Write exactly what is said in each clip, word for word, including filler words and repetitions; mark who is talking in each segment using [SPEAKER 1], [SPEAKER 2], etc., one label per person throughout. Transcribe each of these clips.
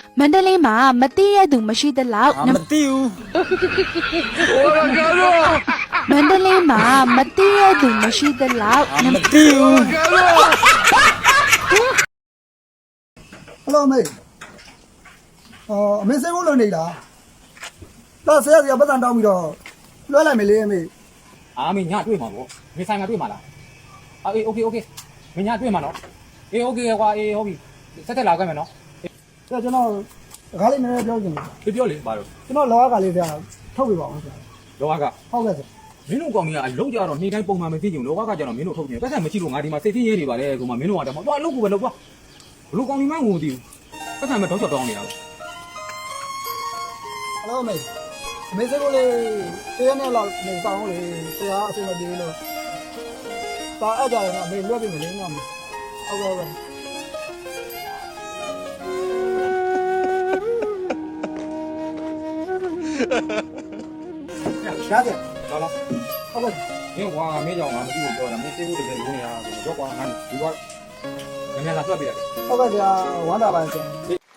[SPEAKER 1] မန္တလေးမှာမသိရသူမရှိသလောက်
[SPEAKER 2] မသိဘူး
[SPEAKER 1] မန္တလေးမှာမသိရသူမရှိသလောက်
[SPEAKER 2] မသိဘူး
[SPEAKER 3] ဟယ်လိုမေအော်အမေစိတ်ဝင်လို့နေလားဒါဆရာဆရာပတ်စံတောင်းပြီးတော့လွှဲလိုက်မယ်လေအမေ
[SPEAKER 2] အာမင်းညတွေ့မှာပေါ့မင်းဆိုင်မှာတွေ့မှာလားအေးโอเคโอเคမင်းညတွေ့မှာနော်အေးโอเคကွာအေးဟုတ်ပြီဆက်တက်လာခဲ့မယ်နော်
[SPEAKER 3] ဆရာကျွန်တော်တကားလေးနည်းနည်းပြောချင်တယ်
[SPEAKER 2] ပြောပြောလေပါတော့
[SPEAKER 3] ကျွန်တော်လောကလေးဆရာထုတ်ပြပါအောင်ဆရာ
[SPEAKER 2] လောကက
[SPEAKER 3] ဟုတ်ကဲ့ဆရာ
[SPEAKER 2] မင်းတို့ကောင်ကြီးကအလုံးကြတော့နေ့တိုင်းပုံမှန်မသိကြဘူးလောကကကျတော့မင်းတို့ထုတ်နေပတ်သက်မရှိလို့ငါဒီမှာစိတ်သိရေးနေပါလေဆိုမှမင်းတို့ကတော့တော့အလုပ်ကိုပဲလုပ်သွားဘလို့ကောင်ကြီးမှငိုမသိဘူးပတ်သက်မဲ့တော့ချက်တောင်းနေတာ
[SPEAKER 3] ဟယ်လိုမေအမေစိတ်ဝင်လေးတရားနဲ့လောက်နေဆောင်လေဆရာအဆင်မပြေလို့ဒါအဲ့ကြတယ်နော်အမေလွှဲပြမယ်လေနော်ဟုတ်ကဲ့ဟုတ်ကဲ့ရှားတယ်
[SPEAKER 2] လာလာ
[SPEAKER 3] ဟုတ်ကဲ့
[SPEAKER 2] မင်းကွာမင်းကြောင့်ငါမသိဘူးပြောတာမင်းသိဖို့တကယ်လုံးနေတာဆိုတော့ကွာငါဒီကငါလာဆွတ်ပြတယ်
[SPEAKER 3] ဟုတ်ကဲ့ဆရာဝမ်းသာပါဆရာ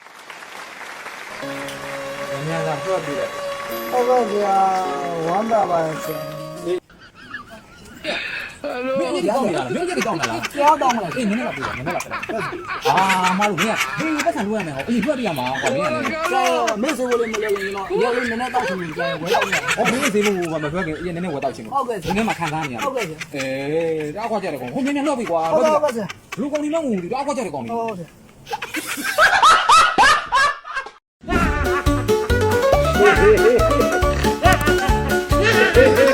[SPEAKER 2] ငါလာဆွတ်ပြတယ်
[SPEAKER 3] ဟုတ်ကဲ့ဆရာဝမ်းသာပါဆရာ
[SPEAKER 2] မင်းကြီးကောင်းနေတာမင်းကြီးကောင်းတာလား
[SPEAKER 3] ကြားတော့မလား
[SPEAKER 2] အေးနည်းနည်းလာပြတယ်နည်းနည်းလာပြတယ်အာမတို့မင်းကဒီပတ်စံလွှဲရမယ်ဟောအေးလွှဲပြရမှာကွာမင်းကလည်း
[SPEAKER 3] ဆရာမေ့စေဖို့လည်းမလဲရင်တော့ရောလေးနည်းနည်းတောက်ချင်တယ်ဆရာဝယ်တော့မယ်
[SPEAKER 2] ဟောမင်းသေးဖို့မပြောခင်အေးနည်းနည်းဝယ်တော့ချင်း
[SPEAKER 3] ဟုတ်ကဲ့
[SPEAKER 2] ဒီနေ့မှခံစားနေရတယ်
[SPEAKER 3] ဟုတ်ကဲ့ဆရာ
[SPEAKER 2] အေးတောက်ခွာကြတယ်ကောင်ဟိုမင်းများလှော့ပြီကွာ
[SPEAKER 3] ဟုတ်ကဲ့ဟုတ်ကဲ့ဆရာ
[SPEAKER 2] လူကောင်ကြီးမငူဒီတောက်ခွာကြတယ်ကောင်
[SPEAKER 3] ဟုတ်ဆရာ